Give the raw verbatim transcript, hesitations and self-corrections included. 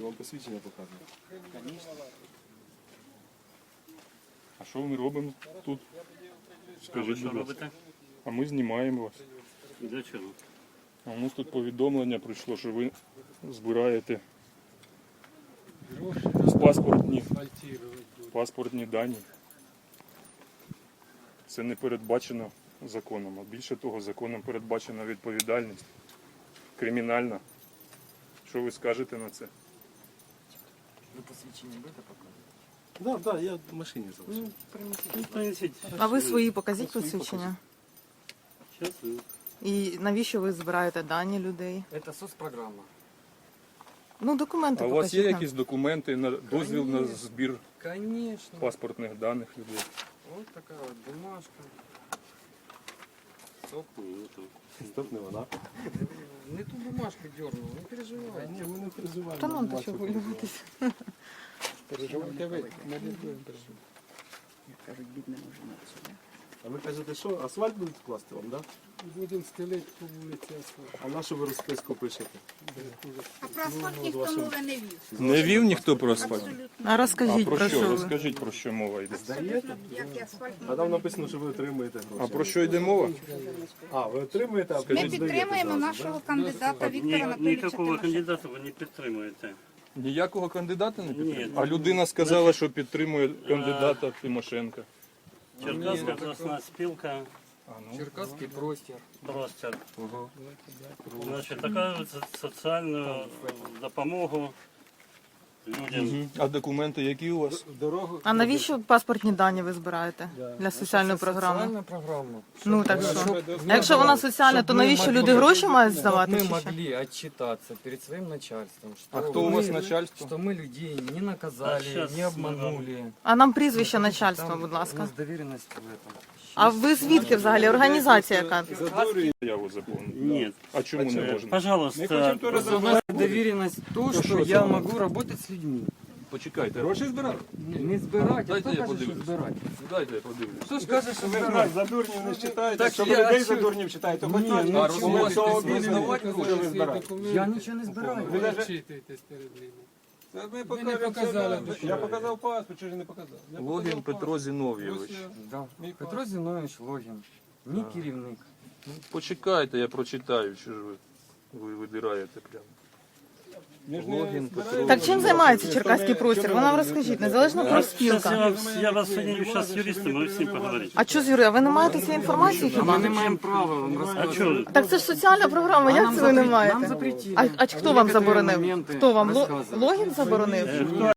хлопці, вам посвідчення показують. А що ми робимо тут? Скажіть, Що будь ласка. робите? А ми знімаємо вас. Для чого? А у нас тут повідомлення прийшло, що ви збираєте паспортні, паспортні дані. Це не передбачено законом. А більше того, законом передбачена відповідальність кримінальна. Що ви скажете на це? Ви посвідчення будете показувати? Так, так, я в машині залишив. Ну, принесіть. А ви свої покажіть посвідчення. Щас ви. І навіщо ви збираєте дані людей? Це соцпрограма. Ну, документи А у покажіть вас є нам. якісь документи на дозвіл на збір Конечно. паспортних даних людей? Вот такая вот бумажка. Ні, не то. Стоп, не вона. Не ту бумажку дернул, не переживай. Ні, ми не переживаємо. Та нам то Бачу, що хвилюватися. Переживайте ви, ми не будемо переживати. Як кажуть, бідне може на це. А ви кажете, що асфальт будуть класти вам, так? Будемо стелити по вулиці асфальт. А на що ви розписку пишете? А про асфальт ніхто мови не вів. Не вів ніхто про асфальт? Абсолютно. А А розкажіть, про про що? що ви? Розкажіть, про що мова йде. Здаєте? Як і асфальт А там написано, що ви отримуєте А гроші. про що йде мова? А, ви отримуєте, а Ми потім здаєте підтримуємо зразу, нашого да? кандидата Ні, Віктора Анатолійовича ніякого Тимошенка. кандидата ви не підтримуєте. Ніякого кандидата не підтримує? Ні. А людина сказала, що підтримує кандидата Тимошенка. Черкаська обласна спілка, А, ну. Черкасский простір. простір. Значить, така со- соціальну допомогу людям. Мгм. А документи які у вас? А навіщо паспортні дані ви збираєте для соціальної програми? Соціальна програма. Ну так Щоб- що? щоб- А якщо вона соціальна, то щоб ми навіщо могли- люди гроші мають щоб здавати? Ми чи що? могли отчитаться перед своим начальством, что А хто у вас мы- начальство? Что мы людей не А наказали, щас не обманули. А нам прізвище начальства, Там будь У ласка. нас доверенность в этом. А ви звідки взагалі? Організація яка? Заяву заповнити. Ні. А чому не можна? Пожалуйста, Просто у нас доверенность то, что я могу работать с людьми. Почекайте. Гроші збирати? Не збирати, а Дайте хто я каже, що подивлюсь. збирати? Дайте я подивлюсь. Хто ж каже, що Ви ж збирати? нас за дурнів не вважаєте, Так щоб я- людей а за що- дурнів вважаєте, хоч Ні, щось ну, ви чому? того Можете обізнані, здавати що гроші, ви збираєте. Я нічого не збираю. Ви Ви навіть- відчитуєтесь перед ними. Та Ми не покажемо, показали, це, да. що Я ви. показав паспорт, чи ж не показав? Я Логін показав Петро паспорт. Зіновійович. Ось я. Да. Мій Петро паспорт. Зінович Логін, мій керівник. Ну, почекайте, я прочитаю, що ж ви, ви видираєте прямо. Ми ж не Логін збираємо. Петро. Так чим займається черкаський простір? Ви нам розкажіть, незалежна Сейчас я профспілка. вам, я вас соединю сейчас с юристом, вы с ним поговорите. А що з Юрій, а ви не маєте цієї інформації А ми хіба? не маємо права вам А розказувати. что? Так це ж соціальна програма, як нам це ви не запре- Нам маєте? запретили. А, а хто вам Некоторые заборонив? моменти Хто вам? Ло- розказувати. Логін заборонив? Э, кто